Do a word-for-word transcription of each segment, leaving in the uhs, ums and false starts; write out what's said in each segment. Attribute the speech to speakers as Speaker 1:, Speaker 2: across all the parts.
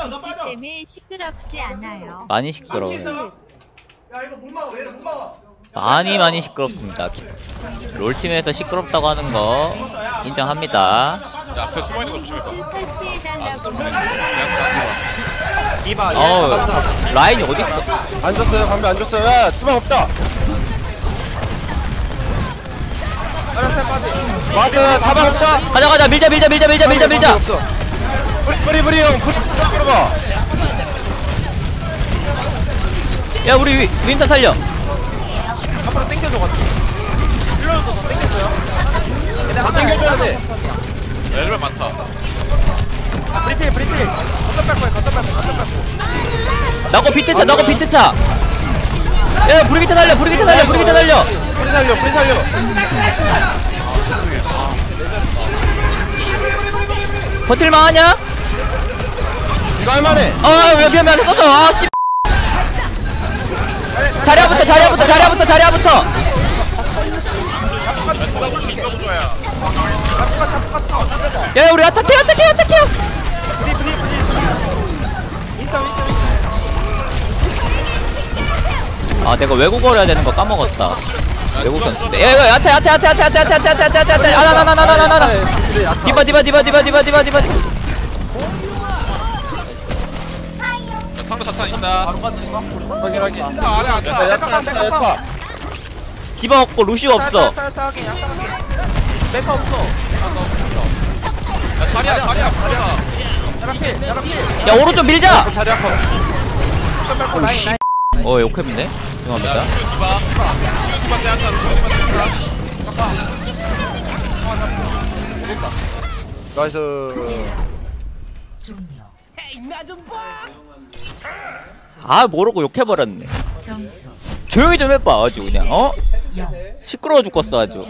Speaker 1: 때문에 시끄럽지 않아요.
Speaker 2: 많이 시끄러워요.
Speaker 3: 야 이거 못 막아. 얘를 못 막아.
Speaker 2: 많이 많이 시끄럽습니다. 롤팀에서 시끄럽다고 하는 거 인정합니다.
Speaker 4: 야, 앞에 숨어있는 거 조심해봐.
Speaker 1: 설치해달라고
Speaker 5: 이봐.
Speaker 2: 어우, 라인이 어딨어?
Speaker 6: 안 줬어요. 방금 안 줬어요. 야, 수박 없다. 맞아, 자방 없다.
Speaker 2: 가자 가자 밀자 밀자 밀자 밀자 밀자 밀자.
Speaker 6: 없어. 뿌리 뿌리 뿌리 형, 뿌리 들어가.
Speaker 2: 야 우리 위, 윈터 살려.
Speaker 5: 앞으로 땡겨줘 같이. 일로도 더 땡겼어요.
Speaker 6: 다 당겨줘야 돼.
Speaker 4: 야, 엘베 많다.
Speaker 5: 브리필 브리필. 걷다 뺄 거야. 걷다 뺄 거야. 걷다 뺄 거야.
Speaker 2: 나고 비트차 나고 비트차. 야 브리기트 살려 브리기트 살려 브리기트 살려.
Speaker 6: 뿌리 살려, 뿌리 살려.
Speaker 2: 버틸만 하냐?
Speaker 6: 이거 할만해.
Speaker 2: 아왜 미안 미안 썼어. 아 씨. 자리야부터 자리야부터 자리야부터 자리야부터. 야 우리 아타케 아타케 아타케. 아 내가 외국어를 해야 되는 거 까먹었다. 외국 선수인데. 야 이거 야타 야타 야타 야타 야타 야타 야타 야타 야타 야타 아나나나나나나나. 디바 디바 디바 디바 디바 디바 디바.
Speaker 4: 상대 사탄 있다.
Speaker 6: 확인 확인.
Speaker 4: 아, 안에 안
Speaker 6: 야,
Speaker 4: 타.
Speaker 6: 야타 야타 야타.
Speaker 2: 디바 없고 루시오 없어.
Speaker 5: 메카 없어.
Speaker 4: 야, 자리야, 자리야, 자리야.
Speaker 5: 야라필 야라필.
Speaker 2: 야 오른쪽 밀자.
Speaker 6: 자리 아파.
Speaker 2: 오씨. 어 욕했네. 죄송합니다.
Speaker 4: 야, 시우 디바. 시우 디바 제한다, 시우 디바 제한다.
Speaker 6: 나이스.
Speaker 2: 아 모르고 욕해버렸네. 조용히 좀 해봐 아주 그냥 어? 시끄러워 죽겠어 아주.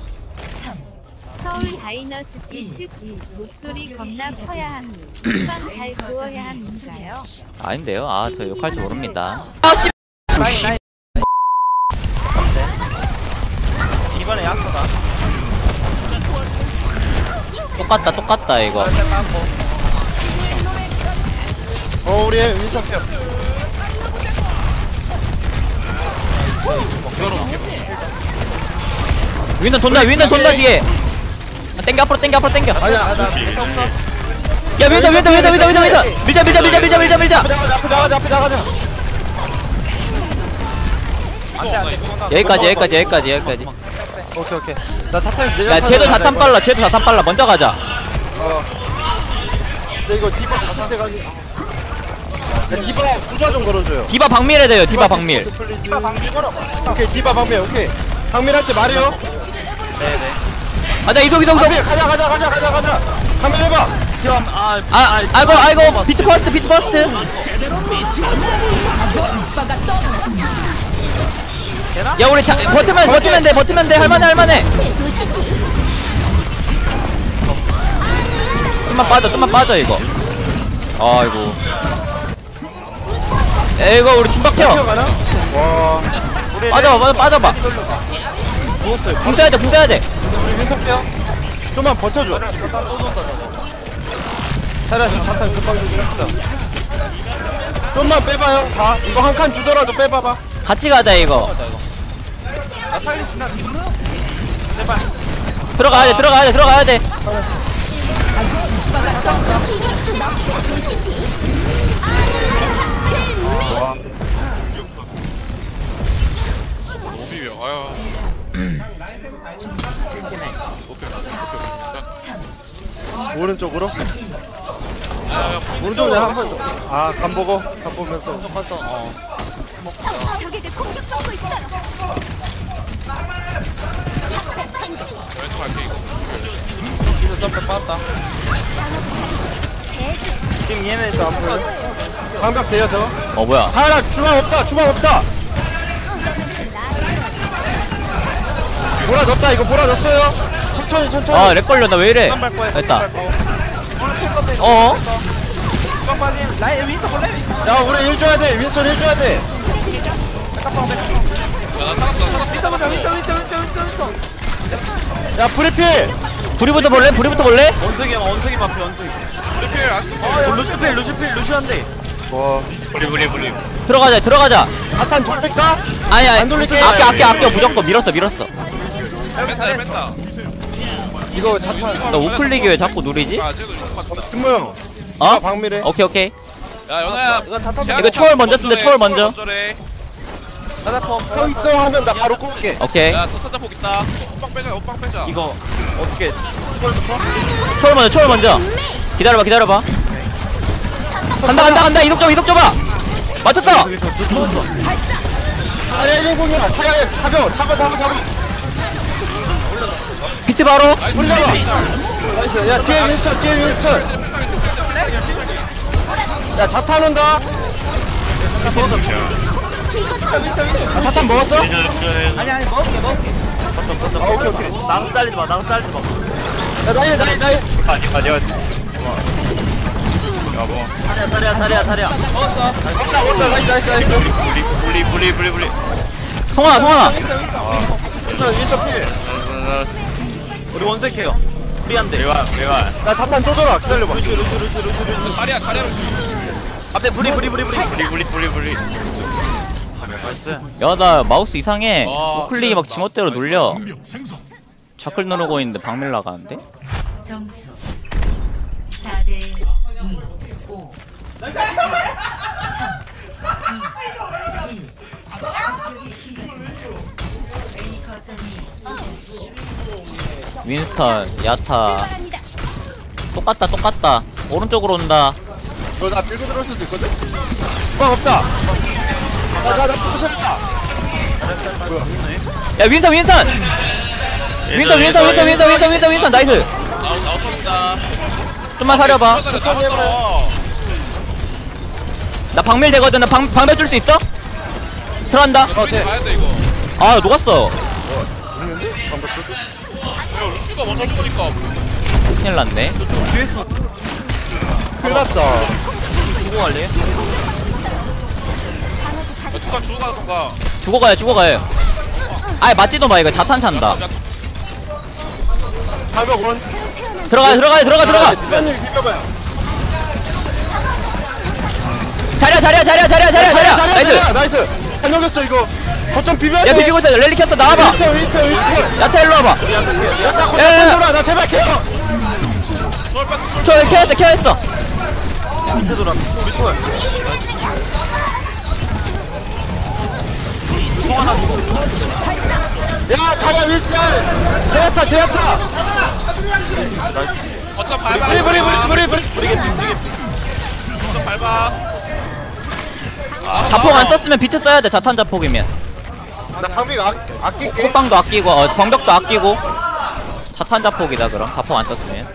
Speaker 1: 서울 다이너스 비트 목소리 겁나 커야 합니다. 한번 잘 구워야 합니다요.
Speaker 2: 아닌데요. 아 저 욕할 줄 모릅니다. 아씨. 오씨.
Speaker 5: 이번에 약소다.
Speaker 2: 똑같다 똑같다 이거.
Speaker 6: 어 우리 윈스턴.
Speaker 2: 윈선 돈다 윈선 돈다 뒤에. 아, 땡겨 앞으로 땡겨 앞으로 땡겨.
Speaker 6: 아니야.
Speaker 2: 야 윈선 윈선 윈선 윈선 윈선 윈선 밀자 밀자 밀자 밀자 밀자 밀자.
Speaker 6: 앞에 나가자 앞에 나가자 앞에 나가자.
Speaker 2: 여기까지 여기까지 여기까지 여기까지.
Speaker 6: 오케이 오케이. 나 자탄 내가.
Speaker 2: 야 쟤도 자탄 빨라 쟤도 자탄 빨라 먼저 가자.
Speaker 6: 어. 근데 이거 디바 자탄 가지. 야 디바 부자 좀 걸어줘요.
Speaker 2: 디바 박밀해야 돼요 디바 박밀.
Speaker 5: 디바 방귀 걸어.
Speaker 6: 오케이 디바 방밀 오케이. 방밀할 때 말해요.
Speaker 5: 네네.
Speaker 2: 아나 이속 이속 이속.
Speaker 6: 방밀 가자 가자 가자 가자 가자. 방밀 해봐.
Speaker 5: 지금 아
Speaker 2: 아 아이고 아이고 비트 퍼스트 비트 퍼스트. 야 우리 자, 버티면 버티면 돼 버티면 돼 할만해 할만해. 좀만 빠져 좀만 빠져 이거. 아이고. 야 이거 우리 춤박혀.
Speaker 6: 와.
Speaker 2: 빠져 빠져 빠져봐. 궁 써야 돼궁 써야 돼.
Speaker 6: 우리 윈스턴 빼요. 좀만 버텨줘. 차라리 자탄 금방 주긴 했다. 좀만 빼봐요. 다 이거 한 칸 주더라도 빼봐봐.
Speaker 2: 같이 가자 이거. 들어가야 돼 들어가야 돼 들어가야 돼.
Speaker 4: 오비야, 아유.
Speaker 6: 오른쪽으로?
Speaker 4: 야, 야,
Speaker 6: 오른쪽으로 그냥 한번 줘. 아, 간 보고, 간 보면서.
Speaker 5: 어.
Speaker 1: 적에게 공격받고 있어요.
Speaker 4: 왼쪽 갈게, 이거.
Speaker 5: 이거 점프 빠졌다. 지금 얘네 또 안 보여.
Speaker 6: 방벽 돼요, 저.
Speaker 2: 어 뭐야.
Speaker 6: 하나, 주방 없다, 주방 없다! 보라 넣었다, 이거 보라 넣었어요. 천천히, 천천히.
Speaker 2: 아 렉 걸려 나 왜 이래. 됐다. 어?
Speaker 5: 라인 윈스턴 볼래?
Speaker 6: 야, 우리 일 줘야 돼, 윈스턴 일 줘야 돼.
Speaker 4: 야, 나 살았어, 나 살았어.
Speaker 5: 윈스턴 보자 윈스턴 윈스턴 윈스턴 윈스턴.
Speaker 6: 야, 브리필!
Speaker 2: 불이부터 볼래? 불이부터 볼래?
Speaker 5: 원숭이 원숭이 마피 원숭이.
Speaker 4: 루필 아직도
Speaker 5: 어 루시필 루시필 루시한데.
Speaker 6: 와
Speaker 4: 불리 불리 불리.
Speaker 2: 들어가자 들어가자.
Speaker 6: 아탄 돌릴까?
Speaker 2: 아니 아니
Speaker 6: 안 돌릴게.
Speaker 2: 아껴 아껴 아껴 무조건 밀었어 밀었어.
Speaker 4: 뺐다 뺐다.
Speaker 6: 이거 자탄
Speaker 2: 나 우클릭이 왜 자꾸 누리지?
Speaker 4: 아 쟤도 이거 맞다.
Speaker 6: 승모 형
Speaker 2: 어?
Speaker 6: 방미래
Speaker 2: 오케이 오케이.
Speaker 4: 야 연아야.
Speaker 5: 이거 다 탑.
Speaker 2: 이거 초월 먼저 쓴대, 초월 먼저.
Speaker 5: 자자펑.
Speaker 6: 서 있어 하면 나 바로 꿀게
Speaker 2: 오케이.
Speaker 4: 야 터터 복 있다. 호빵 빼자 호빵 빼자.
Speaker 5: 이거 어떻게 초월부터?
Speaker 2: 초월 먼저 초월 먼저. 기다려봐 기다려봐. 간다 간다 간다 이속 줘 이속 줘봐. 맞췄어.
Speaker 6: 아니 일공이야 차라리 타벼 타벼 타벼 타벼
Speaker 2: 비트 바로.
Speaker 6: 우리 잡아 나이스 야 뒤에 윈스턴 뒤에 윈스턴 야 자탄 온다 아 자탄 먹었어?
Speaker 5: 아니 아니 먹을게 먹을게.
Speaker 6: 아 오케이 오케이
Speaker 5: 나도 잘리지 마. 나도 잘리지 마.
Speaker 6: 야 나이 나이 나이
Speaker 5: 자리야 자리야 자리야 자리야.
Speaker 6: 먹자 먹자 나이스 나이스 나이스
Speaker 4: 불리 불리 불리 불리.
Speaker 2: 송하나 송하나.
Speaker 6: 윈스턴 윈스턴 필
Speaker 5: 우리 원색해요. 우리한테.
Speaker 6: 나 자탄 또 줘라 기다려봐
Speaker 5: 루시 루시 루시 루시 루시.
Speaker 4: 자리야 자리야.
Speaker 5: 앞에 불이 불이 불이 불이.
Speaker 4: 불리 불리 불리 불리.
Speaker 5: 나이스.
Speaker 2: 야 나 마우스 이상해.
Speaker 4: 아,
Speaker 2: 우클릭이 막
Speaker 4: 그래,
Speaker 2: 지멋대로
Speaker 4: 나이스.
Speaker 2: 눌려. 좌클 누르고 있는데 박밀 나가는데?
Speaker 7: 점수 사 대 이, 오, 삼, 이, 일. 공격이 시작됩니다. A 거점이
Speaker 2: 윈스턴 야타. 똑같다 똑같다. 오른쪽으로 온다.
Speaker 6: 너나 밀고 들어올 수도 있거든? 뻥 없다 나나나 부셔있다
Speaker 2: 야 윈선 윈선. 윈선 윈선 윈선 윈선 윈선 윈선 윈선 나이스.
Speaker 4: 나우 나웃입니다.
Speaker 2: 좀만 사려봐.
Speaker 4: 나웃.
Speaker 2: 나 박밀 되거든. 나 방, 방벽 줄 수 있어? 들어간다.
Speaker 6: 어 돼.
Speaker 4: 가야 돼 이거.
Speaker 2: 아 녹았어.
Speaker 4: 야 루시가 먼저 죽으니까.
Speaker 2: 큰일 났네.
Speaker 6: 큰일 났다
Speaker 5: 주고 갈래?
Speaker 4: 누가 주고 가던가.
Speaker 2: 죽어가요 죽어가요. 아예 맞지도 마 이거 자탄 찬다.
Speaker 6: 팔백 원
Speaker 2: 들어가요 들어가요 들어가 들어가.
Speaker 6: 주변을 비벼봐요
Speaker 2: 자리야 자리야 자리야 자리야 자리야 자리야. 나이스.
Speaker 6: 나이스 잘 녹였어 이거 거점 비벼야 돼
Speaker 2: 야 비비고 있어. 랠리 켰어 나와봐.
Speaker 6: 윈스턴 윈스턴 윈스턴
Speaker 2: 야타 일로 와봐.
Speaker 6: 야나
Speaker 2: 야,
Speaker 6: 거점
Speaker 2: 야.
Speaker 6: 돌아 나 제발 케어
Speaker 4: 초월 뺐어.
Speaker 2: 저 케어했어 케어했어.
Speaker 5: 밑에 돌아. 우리 초월. 송 하나 주고.
Speaker 6: 야 자리야 윈스턴 제야타 제야타
Speaker 4: 거점 밟아.
Speaker 6: 브리 브리 브리 브리 브리
Speaker 4: 거점 밟아.
Speaker 2: 자폭 안 썼으면 비트 써야 돼. 자탄 자폭이면.
Speaker 6: 나 방비 아, 아낄게
Speaker 2: 호빵도 아끼고 어, 방벽도 아끼고. 자탄 자폭이다 그럼. 자폭 안 썼으면.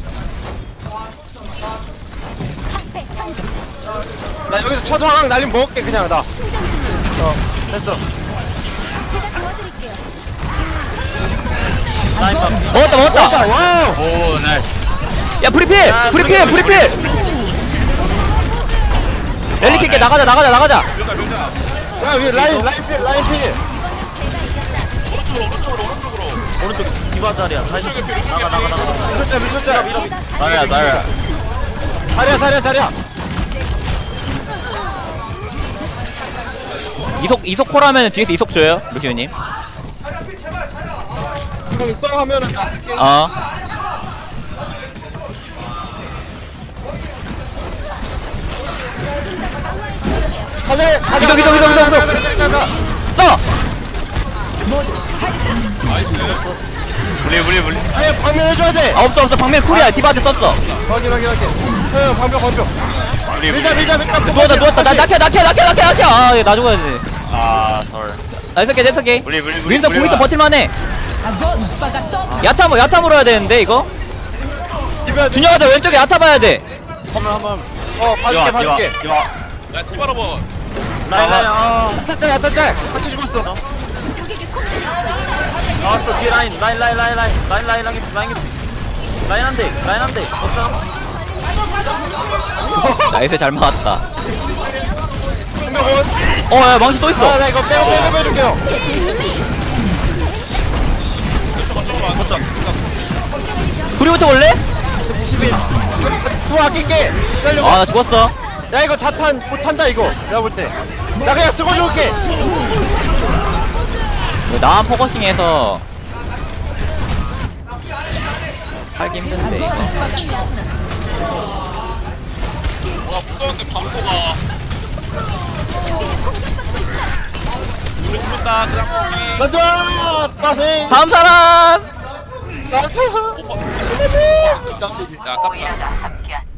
Speaker 6: 나 여기서 초조항 날림 먹을게 그냥 나 어, 됐어
Speaker 2: 먹었다 먹었다.
Speaker 6: 자 와우
Speaker 4: 오 나이스.
Speaker 2: 야 브리필 브리필 브리필. 랠리 킬게 나가자 나가자 나가자.
Speaker 4: 밀자 밀자.
Speaker 6: 야 위에 라인 라인 필 라인 필
Speaker 4: 오른쪽으로 오른쪽으로 오른쪽으로.
Speaker 5: 오른쪽 디바 자리야. 다시 나가 나가 나가.
Speaker 6: 미쳤자 미쳤자
Speaker 4: 나야 나야.
Speaker 6: 자리야 자리야 자리야
Speaker 2: 이속 이속 콜하면 뒤에서 이속 줘요 루시우님.
Speaker 6: 형 있어 하면은 나 쓸게
Speaker 2: 어.
Speaker 6: 가자 가자
Speaker 2: 이동, 이동, 이동, 이동, 이동.
Speaker 6: 가자
Speaker 2: 써.
Speaker 4: 나이스. 불리 불리 불리.
Speaker 6: 아예 방면 해줘야 돼
Speaker 2: 아 없어 없어 박밀 쿨이야. 디바한테 썼어.
Speaker 6: 확인 확인 확인 형 방벽 방벽 밀자 밀자 밀자
Speaker 2: 누웠다 누웠다. 나 낙해 낙해 낙해 낙해 낙해. 아얘 나 죽어야지.
Speaker 4: 아 설.
Speaker 2: 나이스 게 나이스 게.
Speaker 4: 불리 불리 불리.
Speaker 2: 윈서 공 있어 버틸만해. 야타 뭐 야타 물어야 되는데 이거.
Speaker 6: 비벼야 돼
Speaker 2: 준영아 너 왼쪽에 야타 봐야 돼.
Speaker 5: 한번 한번.
Speaker 6: 어 봐줄게 봐줄게
Speaker 4: 야 티바로버.
Speaker 5: 라인 라인. 아.
Speaker 6: 야타짤 야타짤 같이 죽었어
Speaker 5: 나왔어 뒤에 라인 라인 라인 라인 라인 라인 라인 라인 라인 라인 한대 라인 한대. 없잖아.
Speaker 2: 나이스 잘 막았다.
Speaker 6: 방벽 원
Speaker 2: 어야 망치 또 있어.
Speaker 6: 아나 이거 빼고 빼고 빼줄게요
Speaker 2: 구리부터 볼래?
Speaker 5: 구십일.
Speaker 6: 또 아낄게. 기다려.
Speaker 2: 아 나 죽었어.
Speaker 6: 야 이거 자탄 못 탄다 이거. 내가 볼 때. 나 그냥 쓰고 줄게.
Speaker 2: 나만 포커싱해서 살기 힘든데 이거.
Speaker 4: 와 무서운데 방포가 우리 죽는다 그냥 우리
Speaker 6: 가자. 빠세.
Speaker 2: 다음 사람.
Speaker 4: 야 아깝다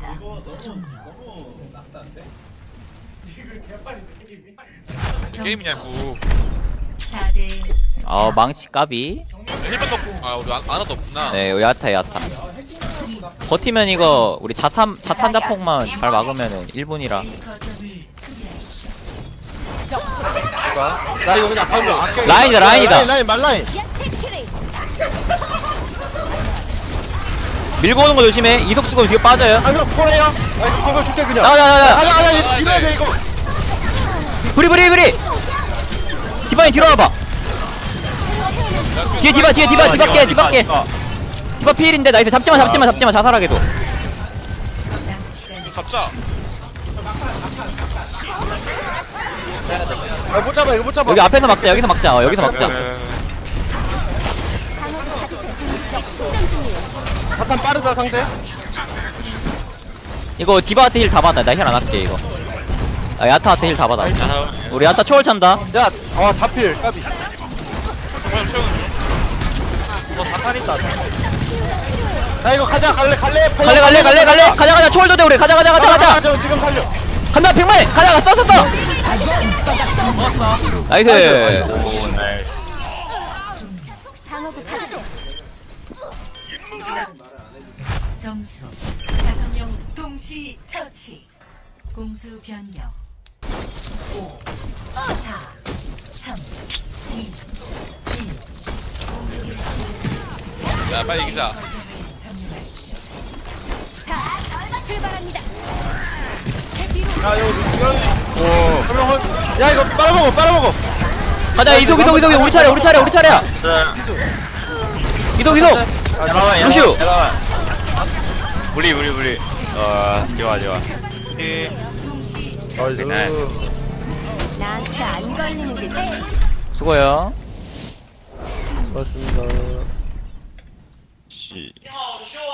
Speaker 4: 게임이냐고
Speaker 7: 사 대
Speaker 2: 어 망치 까비.
Speaker 4: 힐밴드 없- 아 우리 안- 아나도 없구나
Speaker 2: 네 야타 야타. 버티면 이거 우리 자탄 자탄 자폭만 잘 막으면은 일 분이라.
Speaker 7: 거점을 수비하십시오.
Speaker 6: 나 이거 그냥 방금 아껴.
Speaker 2: 라인이다, 라인이다.
Speaker 6: 라인 라인 말라인.
Speaker 2: 밀고 오는 거 조심해. 이속 쓰고 뒤에 빠져요.
Speaker 6: 아 형 포래요. 아 이거 방금 줄게 그냥.
Speaker 2: 나가 나가 나가.
Speaker 6: 가자 가자 이거 돼 이거.
Speaker 2: 브리 브리 브리. 디바인 뒤로 와봐. 뒤에 디바 뒤에 디바 디바 깨 디바 깨. 디바 피일인데 나이스. 잡지마 잡지마 잡지마 자살하게도.
Speaker 4: 좀 잡자
Speaker 6: 아 못 잡아 이거 못 잡아.
Speaker 2: 여기 앞에서 막자. 여기서 막자. 어, 여기서 막자.
Speaker 6: 자탄 빠르다 상대.
Speaker 2: 이거 디바한테 힐 다 받아. 나 힐 안 할게 이거. 아, 야타한테 힐 다 받아. 우리 야타 초월 찬다.
Speaker 6: 야, 어 자필 까비.
Speaker 4: 정말 채우는 중
Speaker 5: 뭐 자탄 있다.
Speaker 6: 야 이거 가자 갈래 갈래.
Speaker 2: 갈래 갈래 갈래 갈래. 가자 가자. 초월도 돼 우리. 가자 가자 가자 가자.
Speaker 6: 가자 지금 살려.
Speaker 2: 간다 백만. 가자 써 써 써. 나이스.
Speaker 5: 오 나이스.
Speaker 7: 점수 다섯 명 동시 처치. 공수 변경. 오, 사, 삼, 이, 일. 공격을 시작.
Speaker 4: 야 빨리 이기자
Speaker 7: 거점을 점령하십시오.
Speaker 5: 야 이거 이거
Speaker 6: 오. 그러면 야 이거 빨아먹어 빨아먹어.
Speaker 2: 가자 이속 이속 이속. 우리 차례 우리 차례 우리 차례야. 이속 이속.
Speaker 5: 잠깐만
Speaker 2: 루시우.
Speaker 5: 잠깐만. 우리 우리 우리. 어 좋아 좋아.
Speaker 6: 나이스.
Speaker 1: 나한테 안 걸리는 게 돼.
Speaker 2: 수고요.
Speaker 6: 맞습니다.
Speaker 5: 씨.